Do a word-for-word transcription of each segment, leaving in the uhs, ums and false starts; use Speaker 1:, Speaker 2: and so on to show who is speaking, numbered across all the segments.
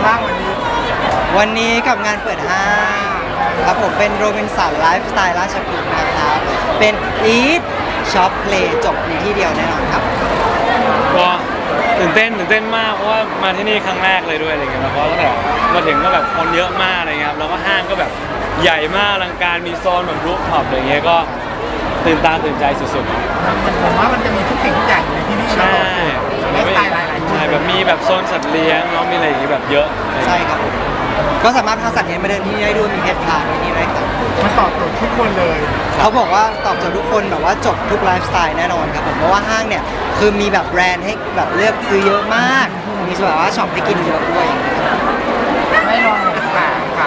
Speaker 1: บ้างวันนี้
Speaker 2: วันนี้กับงานเปิดห้างครับผมเป็นโรบินสันไลฟ์สไตล์ราชพฤกษ์นะครับเป็น Eat Shop Play จบในที่เดียวแน่นอนครับ
Speaker 3: ก็ตื่นเต้นตื่นเต้นมากเพราะว่ามาที่นี่ครั้งแรกเลยด้วยอะไรเงี้ยแล้วก็ตั้งแต่มาถึงก็แบบคนเยอะมากอะไรเงี้ยครับแล้วก็ห้างก็แบบใหญ่มากอลังการมีโซนแบบรูฟท็อปอะไรเงี้ยก็ตื่นตาตื่นใจสุด
Speaker 1: ๆผมว่ามันจะมีทุกสิ่งทุกอย่างอยู่ในที่นี่
Speaker 3: ใช่
Speaker 1: ไลฟ์สไตล์หลายๆ
Speaker 3: ใช่แบบมีแบบโซนสัตว์เลี้ยงเนาะมีอะไรอย่างงี้แบบเยอะ
Speaker 2: ใช่ครับก็สามารถพาสัตว์เลี้ยงมาเดินที่นี่ได้ด้วยมีเพจพาที่นี่ด้วยครับ
Speaker 1: มันตอบโจทย์ทุกคนเลย
Speaker 2: เขาบอกว่าตอบโจทย์ทุกคนแบบว่าจบทุกไลฟ์สไตล์แน่นอนครับผมเพราะว่าห้างเนี่ยคือมีแบบแบรนด์ให้แบบเลือกซื้อเยอะมากมีแบบว่าช็อปให้กินเยอะด้วย
Speaker 1: ไม่ลองค่ะค่ะ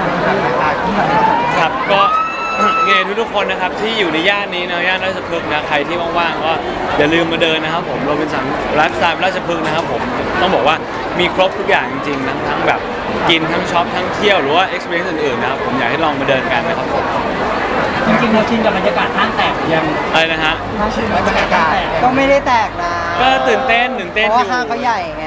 Speaker 3: ครับก็ไงทุกๆคนนะครับที่อยู่ในย่านนี้นะย่านราชพฤกษ์นะใครที่ว่างๆก็อย่าลืมมาเดินนะครับผมโรบินสันไลฟ์สไตล์ราชพฤกษ์นะครับผมต้องบอกว่ามีครบทุกอย่างจริงๆทั้งทั้งแบบกินทั้งช็อปทั้งเที่ยวหรือว่า experience อื่นๆนะครับผมอยากให้ลองมาเดินกันนะครับผม
Speaker 4: จริงๆเราชินกับบรรยากาศห้างแตกยัง
Speaker 3: อะไรนะฮะ
Speaker 1: ชินกับบรรยากาศ
Speaker 2: ก็ไม่ได้แตกนะ
Speaker 3: ก็ตื่นเต้นตื่นเต้น
Speaker 2: เพราะว่าห้างเขาใหญ่ไง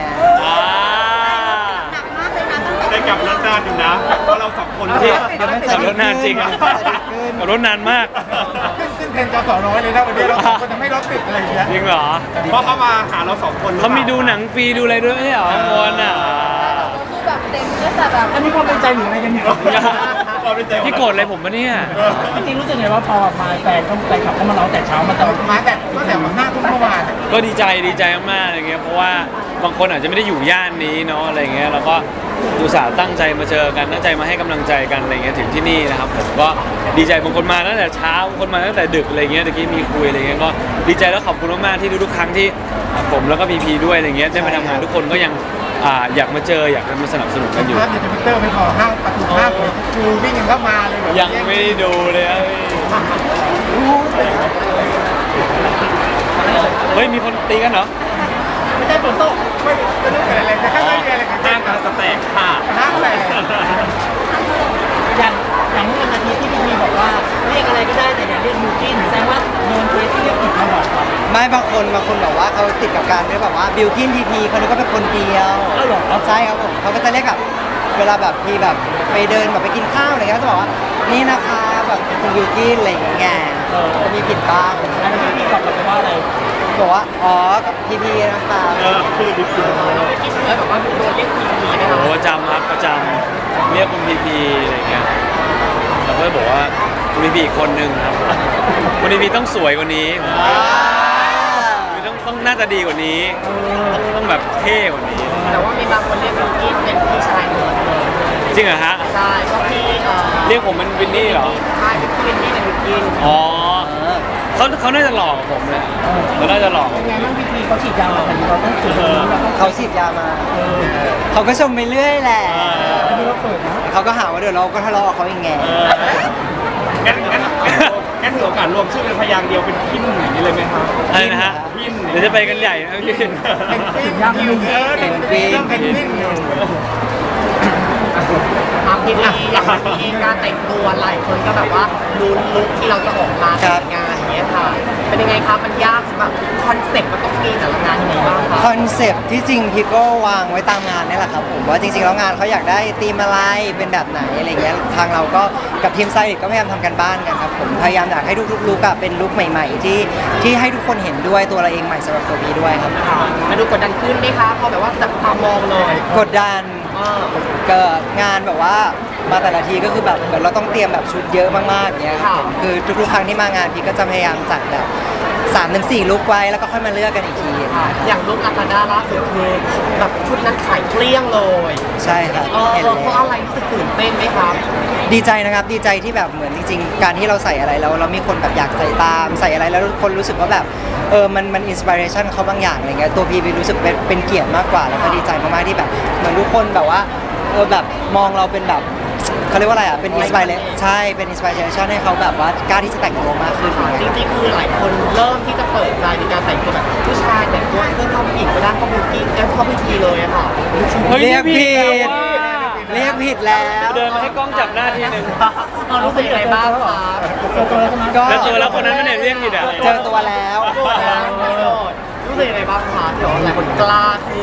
Speaker 1: ได้กลับรถนานอยู่นะเพราะเราสองคน
Speaker 3: ที่ขับรถนานจริงขับรถนานมาก
Speaker 1: ขึ้นขึ้นเทรนจอสอน้อยเลยนะวันนี้เราสองคนจะไม่รถติดอะไรอย่างเงี้ย
Speaker 3: จริงเหรอ
Speaker 1: เพราะเขามาหาเราสองคน
Speaker 3: เขามีดูหนังฟรีดูอะไรด้วยไม่ใช่เหรอมวนอ่ะ
Speaker 4: คือแบบเต็มก็แต่แบบอันนี้ความเป็นใจหรืออะไรกันเนี่ย
Speaker 3: พี่โกรธอะไรผมปะเนี่ย
Speaker 4: จริงๆรู้สึกไงว่าพอมาแฟนก็ไปขับเข้ามาร้องแต่เช้ามาแต่
Speaker 1: มาแต่ก็แต่หน้าทุ่มเมื่อวาน
Speaker 3: ก็ดีใจดีใจมากๆอะไรเงี้ยเพราะว่าบางคนอาจจะไม่ได้อยู่ย่านนี้เนาะอะไรเงี้ยแล้วก็อุตส่าห์ตั้งใจมาเจอกันตั้งใจมาให้กำลังใจกันอะไรเงี้ยถึงที่นี่นะครับผมก็ดีใจบางคนมาตั้งแต่เช้าบางคนมาตั้งแต่ดึกอะไรเงี้ยตะกี้มีคุยอะไรเงี้ยก็ดีใจแล้วขอบคุณมากๆที่ทุกๆครั้งที่ผมแล้วก็พีพีด้วยอะไรเงี้ยได้มาทำงานทุกคนก็ยังอยากมาเจออยากมาสนับสนุนกันอยู่
Speaker 1: ภาพในทวิตเตอร์ไม่พอห้างประตูห้างคูวิ่งกันเข้ามาเลย
Speaker 3: ยังไม่ได้ดูเลยเฮ้ยมีคนตีกันเหรอ
Speaker 4: ไม่ใช่ฝนตก
Speaker 1: ไม่ไม่รู้เกิดอะไรแต่ข้างในมีอะไรกัน
Speaker 3: ห้างกันแตกค่ะ
Speaker 1: ห้างแตก
Speaker 4: อย่างอย่างเมื่อวันอาทิตย์ที่พี่มีบอกว่าเรียกอะไรก็ได้แต่อย่าเรียกมูจินแสดงว่าโดนเคสที่เรียกผิดมาบอกครับ
Speaker 2: ไม่บางคนบางคนแบบว่าเขาติดกับการด้วยแบบว่าบิวกินทีพีคนนี้ก็เป็นคนเดียว
Speaker 4: อ้าวเหรอ
Speaker 2: ใช่ครับผมเขาก็จะเรียกแบบเวลาแบบที่แบบไปเดินแบบไปกินข้าวอะไรเงี้ยจะบอกว่านี่นะคะแบบคุณบิวกินอะไรอย่างเงี้ยจะมีผิดบ้าง
Speaker 4: อันนี้พี่ตอบกลับไปว่าอะไร
Speaker 2: บอกว่าอ๋อกับทีพีนะคะ
Speaker 3: เออคือบิวกิน
Speaker 4: แล้วแบบว่าโดนเรียกพีพีนะ
Speaker 3: โอ้ประจำครับประจำเรียกคุณพีพีอะไรเงี้ยแล้วก็บอกว่าคุณพีพีอีกคนนึงครับคุณพีพีต้องสวยกว่านี้ต้องต้องน่าจะดีกว่านี้ต้องต้องแบบเท่กว่านี้
Speaker 4: แต่ว่ามีบางคนเรียกบิวกินเป็นพี่ชายหมด
Speaker 3: จริงเหรอฮะ
Speaker 4: ใช่ก็พี่
Speaker 3: เรียกผมเป็นวินนี่เหรอ
Speaker 4: ใช่พี่วินนี่เป็นบิวกิน
Speaker 3: อ๋อเขาเขาน่าจะหลอกผมเลยเขาน่าจะหลอก
Speaker 4: ยังไงบ้างพี่พีเขาฉีดยามาแต่เราต้องฉีด
Speaker 2: เขาฉีดยามาเขาก็ชมไปเรื่อยแหละเขาก็หาว่าเดี๋ยวเราก็ทะเลาะเขาอย่างไง
Speaker 1: งั้นงั้นงั้นมีโอกาสรวมชื่อเป็นพยางค์เดียวเป็นพินอย่างนี้เลยไหมครับ
Speaker 3: อะไรนะฮะพินเดี๋ยวจะไปกันใหญ่นะพี่
Speaker 1: เป็นพินยังอยู่เออเป็นพินเป็นพิน
Speaker 4: ครับพี่พีอย่างที่การแต่งตัวหลายคนก็แบบว่าดูลุคที่เราจะออกมาแต่งงานอย่างเงี้ยค่ะเป็นยังไงครับมันยากแบบคอนเซ็ปต์มันต้องมีแต่ละงานยังไงบ้างคะ
Speaker 2: คอนเซ็ปต์ที่จริงพี่ก็วางไว้ตามงานนี่แหละครับผมว่าจริงๆแล้วงานเขาอยากได้ธีมอะไรเป็นแบบไหนอะไรเงี้ยทางเราก็กับทีมไซต์ก็พยายามทำกันบ้านกันครับผมพยายามอยากให้ทุกๆลุคเป็นลุคใหม่ๆที่ที่ให้ทุกคนเห็นด้วยตัวเราเองใหม่สำหรับตัวพี่ด้วยครับ
Speaker 4: มาดูกดดันขึ้นไหมคะพอแบบว่าจับตามองเลย
Speaker 2: กดดันเกิดงานแบบว่ามาแต่ละทีก็คือแบบเหมือนเราต้องเตรียมแบบชุดเยอะมากๆเนี้ยครับคือทุกๆครั้งที่มางานพี่ก็จะพยายามจัดแบบสามถึงสี่ลุคไว้แล้วก็ค่อยมาเลือกกันอีกที
Speaker 4: อย่างลุคลาคาด้าล่าสุดคือแบบชุดนั้นขายเกลี้ยงเลย
Speaker 2: ใช่ครับ
Speaker 4: เห็นเพราะอะไรรู้สึกตื่นเต้นไหมครับ
Speaker 2: ดีใจนะครับดีใจที่แบบเหมือนจริงๆการที่เราใส่อะไรแล้วเรามีคนแบบอยากใส่ตามใส่อะไรแล้วคนรู้สึกว่าแบบเออมันมันอินสปิเรชันเขาบางอย่างอะไรเงี้ยตัวพี่พี่รู้สึกเป็นเป็นเกียรติมากกว่าแล้วก็ดีใจมากๆที่แบบเหมือนทุกคนแบบว่าเออแบบมองเราเป็นแบบเขาเรียกว่าอะไรอ่ะเป็นอินสปิเรชันใช่เป็นอินสปิเรชันให้เขาแบบว่ากล้าที่จะแต่งตัวมากขึ้น
Speaker 4: จริงๆคือหลายคนเริ่มที่จะเปิดใจในการแต่งตัวแบบผู้ชายแต่งตัวเสื้อผ้าผู้หญิงไปด้านเข้าบิวกิ้นแล้วเข้าพิธีเลยอะค่ะ
Speaker 2: เรียกผิดเรียกผิดแล้ว
Speaker 3: เดินมาให้กล้องจับหน้าทีนึง
Speaker 4: เรารู้สึกยังไงบ้างคะ
Speaker 3: ก็เจอแล้วคนนั้นไม่ได้เรียกผิดอ่ะ
Speaker 2: เจอตัวแล้ว
Speaker 4: รู้สึกยังไงบ้างคะที่หลายคนกล้าขึ้น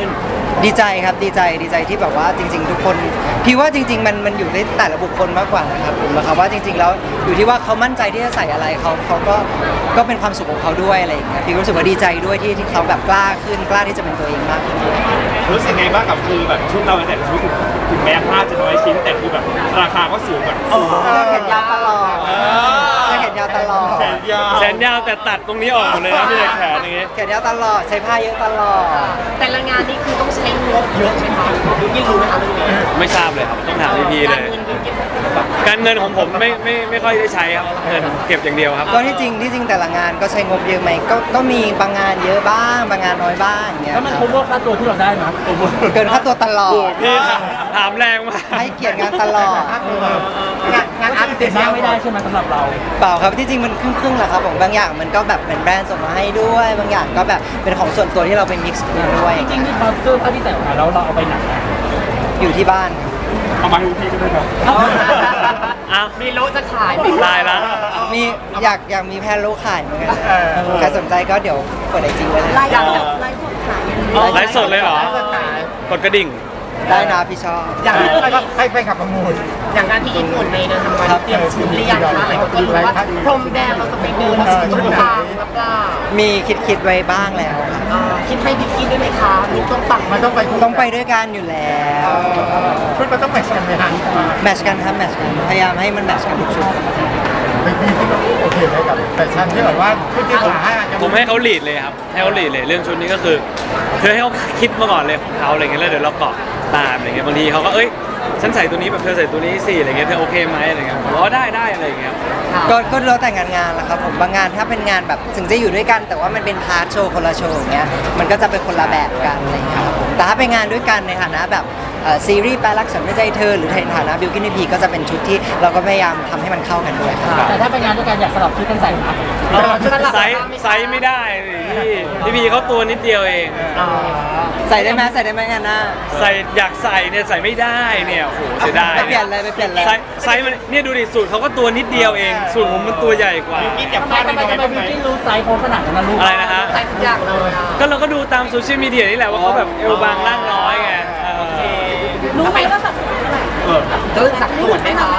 Speaker 2: ดีใจครับดีใจดีใจที่แบบว่าจริง ๆ ทุกคนพี่ว่าจริง ๆ มันมันอยู่ในแต่ละบุคคลมากกว่านะครับผมนะครับว่าจริง ๆ แล้วอยู่ที่ว่าเขามั่นใจที่จะใส่อะไรเขาเขาก็ก็เป็นความสุขของเขาด้วยอะไรอย่างเงี้ยพี่รู้สึกว่าดีใจด้วยที่ที่เขาแบบกล้าขึ้นกล้าที่จะเป็นตัวเองมากขึ้นด้วย
Speaker 1: รู้สึกไงบ้างกับคือแบบชุดเราแต่ละชุดถึงแม้ผ้าจะน้อยชิ้นแต่คือแบบราคาก็สูงแบบ
Speaker 2: เสื้อแขนยาวตลอดเสื้อแขนยาวตลอด
Speaker 1: แขนยาว
Speaker 3: แขนยาวแต่ตัดตรงนี้ออกหมดเลยนะพี่แขนอย่างงี้
Speaker 2: แขนยาวตลอดใช้ผ้าเยอะตลอด
Speaker 4: แต่ละงานนี่คือต้องใช้งบเยอะไหมคะยูกินรู้ไหมคะเรื่องนี้
Speaker 3: ไม่ทราบเลยครับต้องถามพี่พีเลย
Speaker 4: การเงินยูกิน
Speaker 3: การเงินของผมไม่ไม่ไม่ค่อยได้ใช้ครับเงินเก็บอย่างเดียวครับ
Speaker 2: ก็ที่จริงที่จริงแต่ละงานก็ใช้งบเยอะไหมก็ก็มีบางงานเยอะบ้างบางงานน้อยบ้างอย่างเงี้ย
Speaker 5: แล้วมัน
Speaker 2: ค
Speaker 5: คุ้
Speaker 2: รับ
Speaker 5: มค่าตัวที่เราได้ไหม
Speaker 2: เกินค่าตัวตลอด
Speaker 3: พี่ถามแรงมาก
Speaker 2: ให้เกียรติงานตลอด
Speaker 4: งานงานอาร์ต
Speaker 5: เสร็จมากไม่ได้ใช่ไหมสำหรับเรา
Speaker 2: เปล่าครับที่จริงมันครึ่งครึ่งๆแหละครับผมบางอย่างมันก็แบบเป็นแบรนด์ส่งมาให้ด้วย บางอย่างก็แบบเป็นของส่วนตัวที่เราเป็นมิกซ์ด้วย
Speaker 5: จริงๆที่ตอนเสื้อผ้าที่ใส่ออกมาแล้วเราเอาไปไหนอะ
Speaker 2: อยู่ที่บ้าน
Speaker 1: เอามาให้พี่ก็ได้ครับ
Speaker 3: อ้าว
Speaker 4: มีโลจะขายไหม
Speaker 3: ตายละ
Speaker 2: มีอยากอยากมีแพนโลกขายเหมือนกันใครสนใจก็เดี๋ยวเปิดไอจีไว้เลย
Speaker 4: ไลฟ์
Speaker 3: ไลฟ์สดเลยเหรอ กดกระดิ่ง
Speaker 2: ได้นะพี่ชอบ
Speaker 4: อย่างที่
Speaker 6: ให้ไปขับประมูล
Speaker 4: อย่างงานที่ญี่ปุ่นในเดือนธันวาคมเตรียมชุดหรือยังคะหลายคนก็รู้ว่าพรมแดงเราจะไปเดินชุดทางหรือเปล่า
Speaker 2: มีคิดคิดไว้บ้างแล้วครับ
Speaker 4: อ่าคิดให้พี่กินด้วยไหมคะลูกต้องปัง
Speaker 6: มันต้องไป
Speaker 2: ต้องไปด้วยกันอยู่แล้ว
Speaker 6: ชุดมันต้องแมทช์กันไหมฮะ
Speaker 2: แมทชกันครับแมทชกันพยายามให้มันแมทชกันทุกชุด
Speaker 6: เป็นพี่ที่โอเคไหมกับแฟชั่นที่แบบว่าชุดที่ผมให้อาจจะ
Speaker 3: ผมให้เขาลีดเลยครับ ให้เขาลีดเลยเรื่องชุดนี้ก็คือคือให้เขาคิดมาก่อนเลยของเขาอะไรเงี้ยแล้วเดี๋ยวเราเกาะตามอะไรเงี้ยบางทีเขาก็เอ้ยฉันใส่ตัวนี้แบบเธอใส่ตัวนี้สิอะไรเงี้ยเธอโอเคไหมอะไรเงี้ยผมว่าได้ได้อะไรเงี้ย
Speaker 2: ก็ก็แล้วแต่งานงานแหละครับผมบางงานถ้าเป็นงานแบบถึงจะอยู่ด้วยกัน แต่ว่ามันเป็นพาร์ทโชว์คนละโชว์อย่างเงี้ยมันก็จะเป็นคนละแบบกันอะไรอย่างเงี้ยครับผมแต่ถ้าเป็นงานด้วยกันในฐานะแบบเอ่อซีรีส์แปลรักฉันไม่ใจเธอหรือในฐานะบิวกินพีก็จะเป็นชุดที่เราก็พยายามทำให้มันเข้ากันด้วยครับ
Speaker 5: แต่ถ้าไปงานด้วยกันอยากสลับชุดกันใส่นะ
Speaker 3: ไซส์ไซส์ไม่ได้พี่พี่พีเขาตัวนิดเดียวเอง
Speaker 2: ใส่ได้ไหมใส่ได้ไหมงานหน้า
Speaker 3: ใส่อยากใส่เนี่ยใส่ไม่ได้เนี่ยโอ้โหเสียดาย
Speaker 2: ไปเปลี่ยนเลยไปเปลี่ยนเลย
Speaker 3: ไซส์ไซส์มันเนี่ยดูดิสูตรเขาก็ตัวนิดเดียวเองสูตรผมมันตัวใหญ่กว่า
Speaker 1: กินเก็บ
Speaker 5: ทำไม
Speaker 1: ผ้า
Speaker 5: ทำไม
Speaker 1: ได้น้อย
Speaker 5: ทำไม
Speaker 1: บ้างไหม
Speaker 5: บิวกิ้นรู้ไซส์โค้งขนาดนั้นนะลูก
Speaker 3: อะไรนะฮะ
Speaker 4: ใส่ทุกอย่างเลยอ่ะ
Speaker 3: ก็เราก็ดูตามโซเชียลมีเดียนี่แหละว่าเขาแบบเอวบางร่างน้อยไงเออ
Speaker 4: รู้ไหมว่าสัดส่วนเท่าไหร่เออสัดส่วนไหมคะ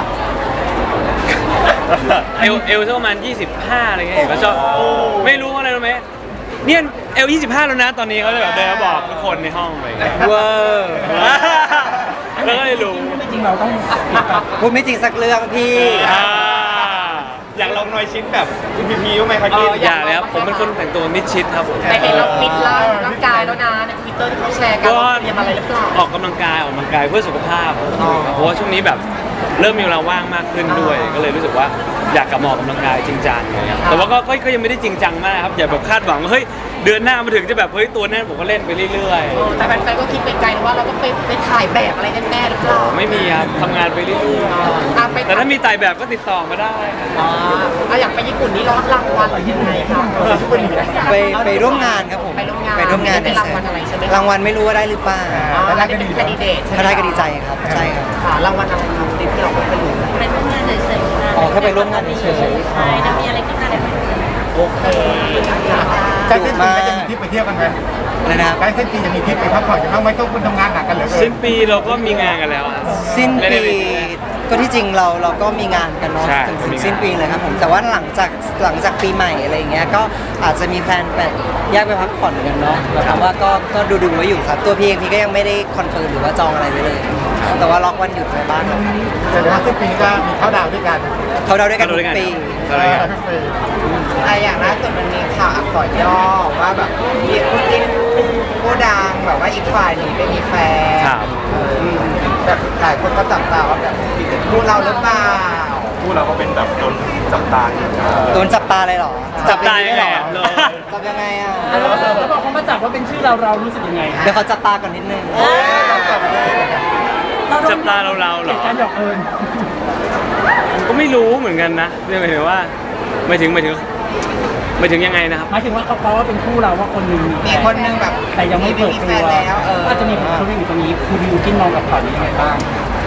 Speaker 3: เอวเอวสักประมาณยี่สิบห้าอะไรเงี้ยเห็นเขาชอบไม่รู้อะไรรู้ไหมเนี่ยเอลยี่สิบห้าแล้วนะตอนนี้เขาเลยแบบเดินมาบอกทุกคนในห้องอะไรเลย
Speaker 2: เวอร์
Speaker 3: แล้วก็เลยรู้
Speaker 5: จริงๆเราต้อง
Speaker 2: พูดไม่จริงสักเรื่องพี่
Speaker 3: อ่า
Speaker 1: อยากลองน้อยชิ้นแบบคุณพีพีบ้างไหมครับกิน
Speaker 3: อย่าเลยครับผมเป็นคนแต่งตัวมิดชิดครับผม
Speaker 4: แต่เห็นเราฟิตร่างร่างกายแล้วนะในทวิตเตอร์ที่เขาแชร์กัน
Speaker 3: ก็
Speaker 4: ว่าเตรียมอะไรหรือเปล่า
Speaker 3: ออกกำลังกายออกกำลังกายเพื่อสุขภาพเพราะว่าช่วงนี้แบบเริ่มมีเวลาว่างมากขึ้นด้วย ก็เลยรู้สึกว่าอยากกลับมาออกกำลังกายจริงจังเลยครับแต่ว่าก็ก็ก็ยังไม่ได้จริงจังมากครับอย่าแบบคาดหวังว่าเฮ้ยเดือนหน้ามาถึงจะแบบเฮ้ยตัวแน่นผมก็เล่นไปเรื่อย
Speaker 4: เออแต่แฟนๆก็คิดไปไกลนะว่าเราต้องไปไปถ่ายแบบอะไรแน่ๆหรือเปล่า
Speaker 3: ๆไม่มีครับทำงานไปเรื่อย
Speaker 4: อ่ะไป
Speaker 3: ๆแต่ถ้ามีไต่แบบก็ติดต่อมาได้
Speaker 4: อ่าอ่ะอยากไปญี่ปุ่นนี่รับรางวัลหรือยังไงคะ
Speaker 2: ไปไปร่วมงานครับผม
Speaker 4: ไปร่วมงาน
Speaker 2: ไปร่วมงาน
Speaker 4: ไม่ได้รางวัลอะไรใช่ไหม
Speaker 2: รางวัลไม่รู้ว่าได้หรือเปล่า
Speaker 4: อ๋อได้เป็นแคนดิเดตใช่ไหม
Speaker 2: ถ้าได้ก็ดีใจครับใช่ครับ
Speaker 4: ค่ะรางวัลอะไรครับที่เราไม่รู้
Speaker 7: ไปร่วมงานเฉยๆค่ะ
Speaker 2: อ๋อแค่ไปร่วมงานเฉย
Speaker 7: ใช่ถ้ามีอะไรขึ้นมาเดี๋ยว
Speaker 4: โอเคค่ะ
Speaker 6: ใกล้เส้นปีก็จะมีทริปไปเที่ยวกันไหม
Speaker 2: ๆเลยนะครับ
Speaker 6: ใกล้เส้นปีจะมีทริปไปพักผ่อนกันบ้างไหมต้องคุณทำงานหนักกันเหลือเกิ
Speaker 3: สิ้
Speaker 6: น
Speaker 3: นปีเราก็มีงานกันแล้วอะ
Speaker 2: สิ้น
Speaker 3: ไม่ได้
Speaker 2: ปี
Speaker 3: ไป
Speaker 2: ก็ที่จริงเราเราก็มีงานกันเนาะ
Speaker 3: ใช่
Speaker 2: ถึงถึ
Speaker 3: มี
Speaker 2: ง
Speaker 3: งาน
Speaker 2: สิ้นปีเลยครับผมแต่ว่าหลังจากหลังจากปีใหม่อะไรอย่างเงี้ยก็อาจจะมีแพลนแบบแยกไปพักผ่อนกันเนาะแบบว่าก็ก็ดูดูๆไว้อยู่ครับตัวพี่เองพี่ก็ยังไม่ได้คอนเฟิร์มหรือว่าจองอะไรไว้เลย แต่ว่าล็อกวันหยุดไว้บ้างครับ
Speaker 6: แสดงว่าสิ้นปีก็มีเข้าดาวน์ด้วยกัน
Speaker 2: เขาเดาด้วยกันทุกปี
Speaker 3: เขาด้วยกัน
Speaker 6: ทุกปี
Speaker 4: อะอย่างล่าสุดมันมีข่าวอักษรย่อว่าแบบมีคู่จิ้นคู่ดังแบบว่าอีกฝ่ายหนึ่งไม่มีแฟน
Speaker 3: ครับ
Speaker 4: อืมแบบหลายคนก็จับตาว่าแบบคู่เราหรือเปล่า
Speaker 1: คู่เราก็เป็นแบบโดนจับตาอยู่นะ
Speaker 2: โดนจับตาเลยเหรอ
Speaker 3: จับตา
Speaker 2: อย่งนี้ได้เหรอ
Speaker 3: ยังไงอะ
Speaker 2: จับยังไงอ่ะ
Speaker 5: แล้วพอเขามาจับว่าเป็นชื่อเราเรารู้สึกยังไง
Speaker 2: เดี๋ยวเขาจับตาก่อนนิดนึง
Speaker 3: จับตาเราเราๆเหรอ
Speaker 5: การหยอกเอิญ
Speaker 3: ผมก็ไม่รู้เหมือนกันนะเนี่ยหมายถึงว่าหมายถึงหมายถึงหมายถึงยังไงนะครับ
Speaker 5: หมายถึงว่าเขาเขาว่าเป็นคู่เราว่าคนหนึ่ง
Speaker 4: มีคนหนึงแบบ
Speaker 5: แต่ยังไม่เปิดตัว
Speaker 4: มีแฟนแล้วเออ
Speaker 5: ก็จะมีคนเขาเรื่องอยู่ตรงนี้คือบิวกินมองกับข่าวนี้ยังไงบ้าง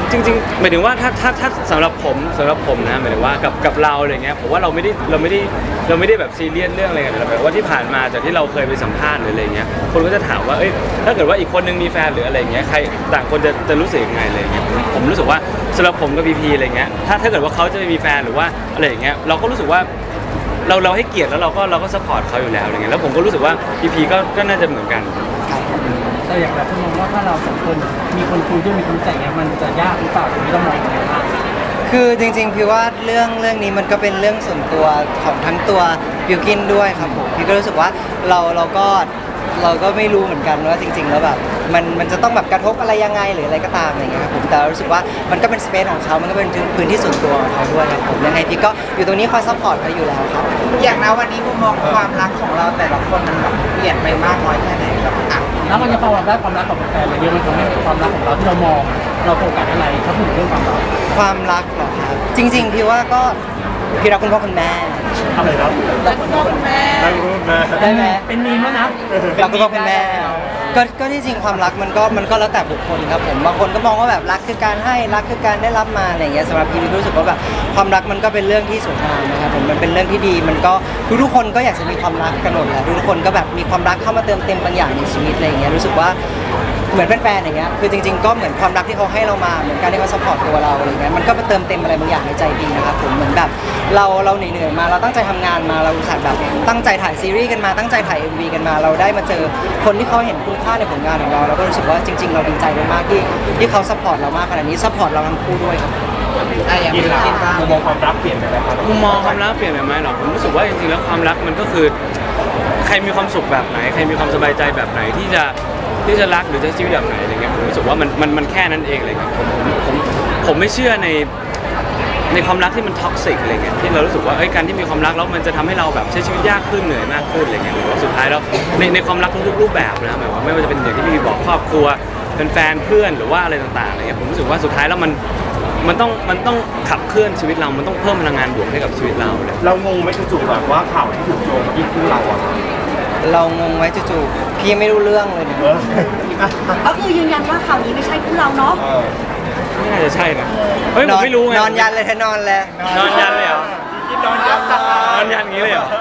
Speaker 3: จริงๆหมายถึงว่าถ้าถ้าถ้าสำหรับผมสำหรับผมนะหมายถึงว่ากับกับเราอะไรเงี้ยผมว่าเราไม่ได้เราไม่ได้เราไม่ได้แบบซีเรียสเรื่องอะไรกันแต่แบบว่าที่ผ่านมาจากที่เราเคยไปสัมภาษณ์หรืออะไรเงี้ยคนก็จะถามว่าเอ้ยถ้าเกิดว่าอีกคนนึงมีแฟนหรืออะไรเงี้ยใครต่างคนจะจะรู้สึกยังไงอะไรเงี้ยผมผมรู้สึกว่าสำหรับผมกับพีพีอะไรเงี้ยถ้าถ้าเกิดว่าเขาจะมีแฟนหรือว่าอะไรอย่างเงี้ยเราก็รู้สึกว่าเราเราให้เกียรติแล้วเราก็เราก็ซัพพอร์ตเขาอยู่แล้วอะไรเงี้ยแล้วผมก็รู้สึกว่าพีพีก็ก็น่าจะเหมือนกัน
Speaker 5: แต่อย่างแบบคุณมองว่าถ้าเราสองคนมีคนคุยด้วยมีคนแต่งเนี่ยมันจะยากหรือเปล่าตรงนี้เรามองยังไงบ้าง
Speaker 2: คือจริงๆพี่ว่าเรื่องเรื่องนี้มันก็เป็นเรื่องส่วนตัวของทั้งตัวบิวกินด้วยครับผมพี่ก็รู้สึกว่าเราเราก็เราก็ไม่รู้เหมือนกันว่าจริง ๆ แล้วแบบมันมันจะต้องแบบกระทบอะไรยังไงหรืออะไรก็ตามอะไรเงี้ยครับผมแต่เรารู้สึกว่ามันก็เป็นสเปซของเขามันก็เป็นพื้นที่ส่วนตัวของเขาด้วยครับผมยังไงพี่ก็อยู่ตรงนี้คอยซัพพอร์ตเขาอยู่แล้วครับ
Speaker 4: อย่างนะวันนี้มุมมองความรักของเราแต่ละคนมันแบบเปลี่ยนไปมากน้อยแค่ไหนครับอ่ะ
Speaker 5: แล้วมันจะพอได้ความรักกับแฟนเราเยอะมันทำให้ความรักของเราที่เรามองเราโฟกัสอะไรถ้าพูดถึงเรื่องความรัก
Speaker 2: ความรักเหรอครับจริง ๆ พี่ว่าก็พี่รักคุณพ่อคุณแม่
Speaker 5: อะไรครับ
Speaker 7: แล้วก็คุณแม่
Speaker 1: ตั้งรูปนะ
Speaker 2: ได้ไหม
Speaker 5: เป็นมีมแล้วนะ
Speaker 2: รักคุณพ่อคุณแม่ก็ก็ที่จริงความรักมันก็มันก็แล้วแต่บุคคลครับผมบางคนก็มองว่าแบบรักคือการให้รักคือการได้รับมาอะไรอย่างเงี้ยสำหรับพี่รู้สึกว่าแบบความรักมันก็เป็นเรื่องที่สวยงามนะครับผมมันเป็นเรื่องที่ดีมันก็ทุกๆคนก็อยากจะมีความรักกันหมดแหละทุกๆคนก็แบบมีความรักเข้ามาเติมเต็มบางอย่างในชีวิตอะไรอย่างเงี้ยรู้สึกว่าเหมือนแฟนๆอย่างเงี้ยคือจริง ๆก็เหมือนความรักที่เขาให้เรามาเหมือนการที่เขาซัพพอร์ตตัวเราอะไรเงี้ยมันก็มาเติมเต็มอะไรบางอย่างในใจดีนะครับผมเหมือนแบบเราเราเหนื่อยๆมาเราตั้งใจทำงานมาเราอุตส่าห์แบบตั้งใจถ่ายซีรีส์กันมาตั้งใจถ่าย เอ็ม วี กันมาเราได้มาเจอคนที่เขาเห็นคุณค่าในผลงานของเราเราก็รู้สึกว่าจริง ๆ เราดีใจมากๆที่ที่เขาซัพพอร์ตเรามากขนาดนี้ซัพพอร์ตเราทั้งคู่ด้วยครับ
Speaker 4: อ่ะอย่าง
Speaker 1: กิน
Speaker 4: พี่
Speaker 1: ละ
Speaker 4: กินบ้าง
Speaker 1: มุมมองความรักเปลี่ยนไปไหมครับ
Speaker 3: มุมมองความรักเปลี่ยนไปไหมหรอผมรู้สึกว่าจริงๆแล้วความรักมันก็คือใครมีความสุขแบบไหนใครมีความสบายใจแบบไหนที่จะที่จะรักหรือจะใช้ชีวิตแบบไหนอะไรเงี้ยผมรู้สึกว่ามันมันมันแค่นั้นเองเลยครับผมผมผมไม่เชื่อในในความรักที่มันท็อกซิกอะไรเงี้ยที่เรารู้สึกว่าเอ้ยการที่มีความรักแล้วมันจะทำให้เราแบบใช้ชีวิตยากขึ้นเหนื่อยมากขึ้นอะไรเงี้ยหรือว่าสุดท้ายแล้วในในความรักทุกรูปแบบนะหมายว่าไม่ว่าจะเป็นอย่างที่พี่บอกครอบครัวเป็นแฟนเพื่อนหรือว่าอะไรต่างๆอะไรเงี้ยผมรู้สึกว่าสุดท้ายแล้วมันมันต้องมันต้องขับเคลื่อนชีวิตเรา มันต้องเพิ่มพลังงานบวกให้กับชีวิตเราเลย
Speaker 1: เรางงไหมจู่ๆแบบว่าข่าวที่ถูกโยงมาที่คู่เราอะ
Speaker 2: เรางงไว้จู่ๆพี่ไม่รู้เรื่องเลยเนี่ย
Speaker 1: เออ
Speaker 7: ก็คือยืนยันว่าข่าวนี้ไม่ใช่คู่เราเนาะ
Speaker 1: เออ
Speaker 3: ไม่น่าจะใช่นะเฮ้ยผมไม่รู้ไง
Speaker 2: นอนยันเลยเธอนอนเลย
Speaker 3: นอนยันเลยเหรอ
Speaker 1: กินนอนยัน
Speaker 3: นอนยันอย่างนี้เลยเหรอ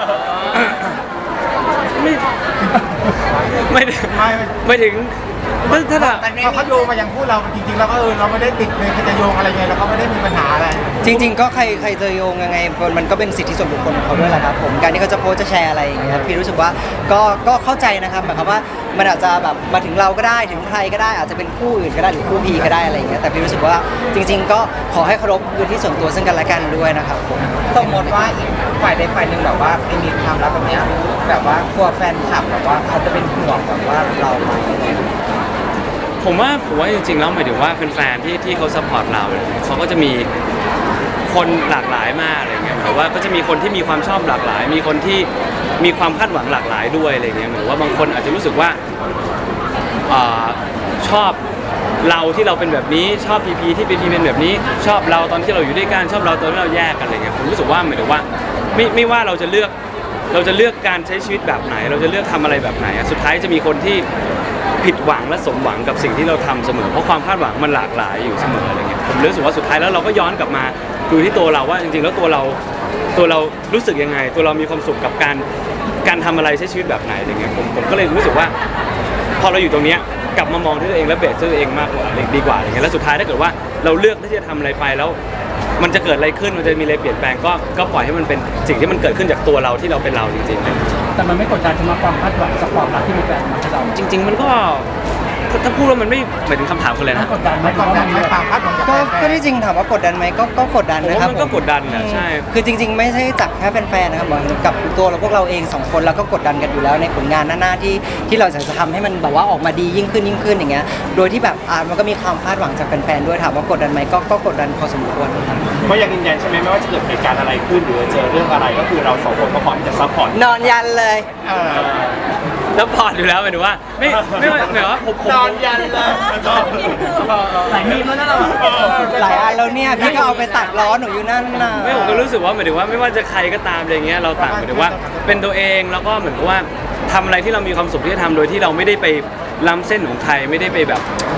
Speaker 3: ไม่ไม่ถึง
Speaker 6: ไม่
Speaker 3: ไม่ถึงถ้าถ้าถ้า
Speaker 6: พอเขาโยงมาอย่างคู่เราจริงๆแล้วก็เออเราไม่ได้ติดเลยจะโยงอะไรไงเราก็ไม่ได้มีปัญหาอะไร
Speaker 2: จริง ๆ ก็ใครใครจะโยงยังไงมันก็เป็นสิทธิส่วนบุคคลของเขาด้วยแหละครับผมการที่เขาจะโพสต์จะแชร์อะไรอย่างเงี้ยพี่รู้สึกว่าก็ก็เข้าใจนะครับหมายความว่ามันอาจจะแบบมาถึงเราก็ได้ถึงใครก็ได้อาจจะเป็นคู่อื่นก็ได้หรือคู่พีก็ได้อะไรอย่างเงี้ยแต่พี่รู้สึกว่าจริง ๆ ก็ขอให้เคารพพื้นที่ส่วนตัวซึ่งกันและกันด้วยนะครับผม
Speaker 4: สมมติว่าอีกฝ่ายใดฝ่ายหนึ่งแบบว่าไม่มีความรักแบบเนี้ยแบบว่ากลัวแฟนคลับแบบว่าเขาจะเป็นห่วงแบบว่าเราไหม
Speaker 3: ผมว่าผมว่าจริงๆแล้วหมายถึงว่าแฟนๆที่ที่เขาซัพพอร์ตเราเนี่ยเขาก็จะมีคนหลากหลายมากอะไรเงี้ยหมายว่าก็จะมีคนที่มีความชอบหลากหลาย มีคนที่มีความคาดหวังหลากหลายด้วยอะไรเงี้ยหรือว่าบางคนอาจจะรู้สึกว่าอ่าชอบเราที่เราเป็นแบบนี้ชอบพีพีที่พีพีเป็นแบบนี้ ชอบเราตอนที่เราอยู่ด้วยกันชอบเราตอนที่เราแยกกันอะไรเงี้ยผมรู้สึกว่าหมายถึงว่าไม่ไม่ว่าเราจะเลือกเราจะเลือกการใช้ชีวิตแบบไหน เราจะเลือกทำอะไรแบบไหนอะสุดท้ายจะมีคนที่ผิดหวังและสมหวังกับสิ่งที่เราทำเสมอเพราะความคาดหวังมันหลากหลายอยู่เสมออะไรเงี้ยผมรู้สึกว่าสุดท้ายแล้วเราก็ย้อนกลับมาดูที่ตัวเราว่าจริงๆแล้วตัวเราตัวเรารู้สึกยังไง ตัวเรามีความสุขกับการการทำอะไรใช้ชีวิตแบบไหนอะไรเงี้ยผมผมก็เลยรู้สึกว่าพอเราอยู่ตรงเนี้ยกลับมามองที่ตัวเองและเบสที่ตัวเองมากกว่าดีกว่าอะไรเงี้ยแล้วสุดท้ายถ้าเกิดว่าเราเลือกที่จะทำอะไรไปแล้วมันจะเกิดอะไรขึ้นมันจะมีอะไรเปลี่ยนแปลงก็ก็ปล่อยให้มันเป็นสิ่งที่มันเกิดขึ้นจากตัวเราที่เราเป็นเราจริงๆเลย
Speaker 5: แต่มันไม่กดดันสำหรับความคาดหวังจากความรักที่มีแฟนมาให้เรา
Speaker 3: จริง ๆ มันก็ถ้าถ้าพูดว่ามันไม่หมายถึงคำถามคืออะไร
Speaker 5: ไม่
Speaker 3: นะ
Speaker 5: กดดันไหม
Speaker 6: ไม่กดดันไม่ความคาดหวังจาก
Speaker 2: ก็
Speaker 6: แฟน
Speaker 2: ก็ที่จริงถามว่ากดดันไหมก็ก็กดดัน
Speaker 3: ผม
Speaker 2: นะครับ
Speaker 3: ว่ามันก็
Speaker 2: ผ
Speaker 3: กดดันนะใช่
Speaker 2: คือจริง ๆ ไม่ใช่จากแค่แฟนๆนะครับเหมือนกับตัวเราพวกเราเองสองคนเราก็กดดันกันอยู่แล้วในผลงานหน้าๆที่ที่เราจะทำให้มันแบบว่าออกมาดียิ่งขึ้นยิ่งขึ้นอย่างเงี้ยโดยที่แบบอ่ามันก็มีความคาดหวังจากแฟนๆด้วยถามว่ากดดันไหมก็ก็กดดันพอสมควรครับ
Speaker 1: ก็ยังยืนยันใช่ไหมไม่ว่าจะเกิดเหตุการณ์อะไรขึ้นหรือเจอเรื่องอะไรก็คือเราสองคนก็พร้อมที่จะซัพพอร์ต
Speaker 2: นอนยันเลย
Speaker 6: เออ
Speaker 3: แล้วพอร์ตอยู่แล้วหมายถึงว่าไม่ไม่ว่าหมายว่าผมผม
Speaker 1: นอนยันเลย
Speaker 5: หลายมีมแล้วนะเรา
Speaker 2: หลายอันแล้วเนี่ยพี่ก็เอาไปตัดล้อหนูอยู่นั่นน่ะ
Speaker 3: ไม่ผมก็รู้สึกว่าหมายถึงว่าไม่ว่าจะใครก็ตามอะไรเงี้ยเราต่างหมายถึงว่าเป็นตัวเองแล้วก็เหมือนกับว่าทำอะไรที่เรามีความสุขที่จะทำโดยที่เราไม่ได้ไปล้ำเส้นของใครไม่ได้ไปแบบ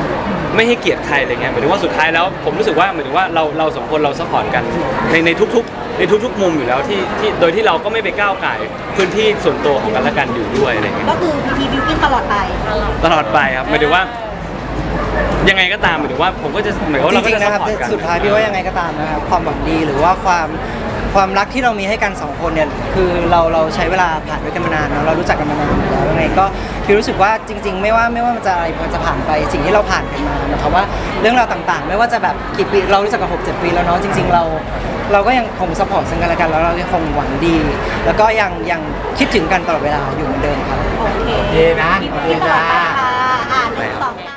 Speaker 3: ไม่ให้เกียรติใครอะไรเงี้ยหมายถึงว่าสุดท้ายแล้วผมรู้สึกว่าหมายถึงว่าเราเราสองคนเราซัพพอร์ตกันในในทุกๆในทุกๆมุมอยู่แล้วที่ที่โดยที่เราก็ไม่ไปก้าวไก่ายพื้นที่ส่วนตัวของกันและกันอยู่ด้วยอะไรเงี้ย
Speaker 7: ก็คือพีพีบิวกิ้นตลอดไป
Speaker 3: ตลอดไปครับหมายถึงว่ายังไงก็ตามหมายถึงว่าผมก็จะหมายความว่า
Speaker 2: จ
Speaker 3: เราก็
Speaker 2: ริง
Speaker 3: จะ
Speaker 2: ๆ
Speaker 3: ซั
Speaker 2: นะ
Speaker 3: พ
Speaker 2: ครับ
Speaker 3: พอร์ตกัน
Speaker 2: สุดท้ายพี่ว่ายังไงก็ตามนะครับความหวังดีหรือว่าความความรักที่เรามีให้กันสองคนเนี่ยคือเราเราใช้เวลาผ่านด้วยกันมานานเนอะเรารู้จักกันมานานอยู่แล้วยังไงก็พี่รู้สึกว่าจริง ๆ ไม่ว่าไม่ว่ามันจะอะไรมันจะผ่านไปสิ่งที่เราผ่านกันมาหมายความว่าเรื่องราวต่างๆ ไม่ว่าจะแบบกี่ปีเรารู้จักกันหกเจ็ดปีแล้วเนาะจริง ๆ เรา เราก็ยังคงสปอร์ตซึ่งกันและกันแล้วเรายังคงหวังดี แล้วก็ยังยังคิดถึงกันตลอดเวลาอยู่เหมือนเดิมครับ
Speaker 7: โอเค
Speaker 6: โอเคนะ
Speaker 7: พี
Speaker 6: โอ
Speaker 7: พี
Speaker 6: เค
Speaker 7: บิวกิ้นตลอ
Speaker 6: จ้า
Speaker 7: ดไปค่ะอ่าหนึ่งสองสาม